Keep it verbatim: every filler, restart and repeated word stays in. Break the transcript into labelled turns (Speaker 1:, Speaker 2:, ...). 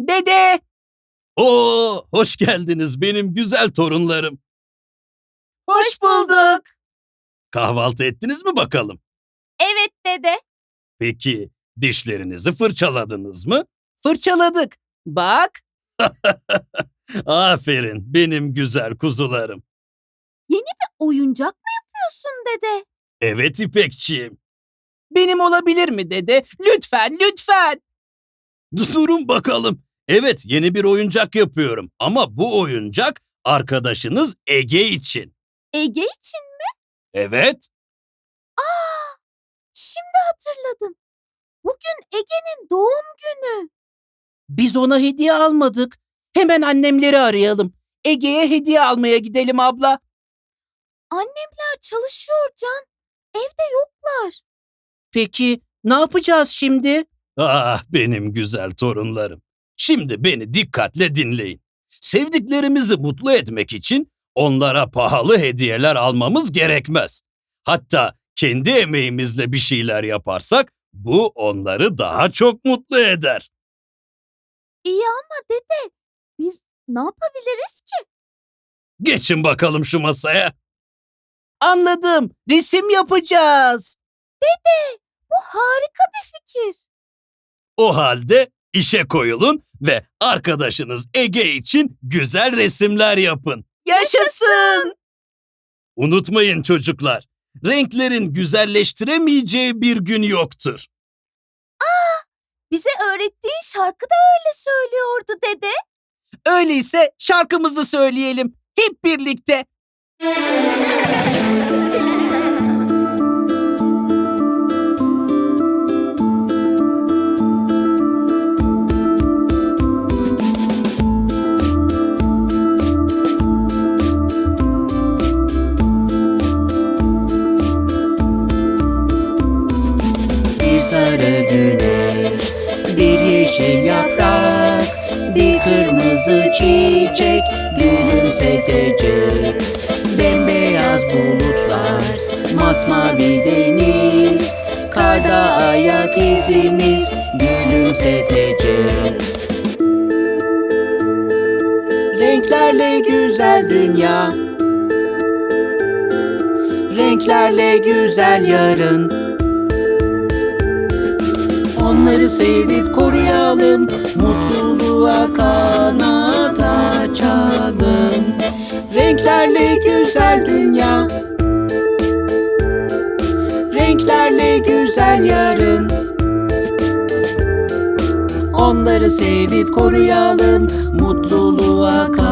Speaker 1: Dede!
Speaker 2: Oo, hoş geldiniz benim güzel torunlarım.
Speaker 1: Hoş bulduk.
Speaker 2: Kahvaltı ettiniz mi bakalım?
Speaker 3: Evet dede.
Speaker 2: Peki dişlerinizi fırçaladınız mı?
Speaker 1: Fırçaladık. Bak,
Speaker 2: Aferin benim güzel kuzularım.
Speaker 3: Yeni bir oyuncak mı yapıyorsun dede?
Speaker 2: Evet İpekçiğim.
Speaker 1: benim olabilir mi dede? Lütfen, lütfen.
Speaker 2: Durun bakalım. Evet yeni bir oyuncak yapıyorum ama bu oyuncak arkadaşınız Ege için.
Speaker 3: Ege için.
Speaker 2: Evet.
Speaker 3: Aa, şimdi hatırladım. Bugün Ege'nin doğum günü.
Speaker 1: Biz ona hediye almadık. Hemen annemleri arayalım. Ege'ye hediye almaya gidelim abla.
Speaker 3: Annemler çalışıyor Can. Evde yoklar.
Speaker 1: Peki ne yapacağız şimdi?
Speaker 2: Ah benim güzel torunlarım. Şimdi beni dikkatle dinleyin. Sevdiklerimizi mutlu etmek için onlara pahalı hediyeler almamız gerekmez. Hatta kendi emeğimizle bir şeyler yaparsak bu onları daha çok mutlu eder.
Speaker 3: İyi ama dede biz ne yapabiliriz ki?
Speaker 2: Geçin bakalım şu masaya.
Speaker 1: Anladım. Resim yapacağız.
Speaker 3: Bu harika bir fikir.
Speaker 2: O halde işe koyulun ve arkadaşınız Ege için güzel resimler yapın.
Speaker 1: Yaşasın.
Speaker 2: Unutmayın çocuklar, renklerin güzelleştiremeyeceği bir gün yoktur.
Speaker 3: Bize öğrettiğin şarkı da öyle söylüyordu dede.
Speaker 1: Öyleyse şarkımızı söyleyelim. Hep birlikte. Bir sarı güneş, bir yeşil yaprak, bir kırmızı çiçek gülümsetecek. Bembeyaz bulutlar, masmavi deniz, karda ayak izimiz gülümsetecek. Renklerle güzel dünya, renklerle güzel yarın. Onları sevip koruyalım, mutluluğa kanat açalım. Renklerle güzel dünya, renklerle güzel yarın. Onları sevip koruyalım, mutluluğa kanat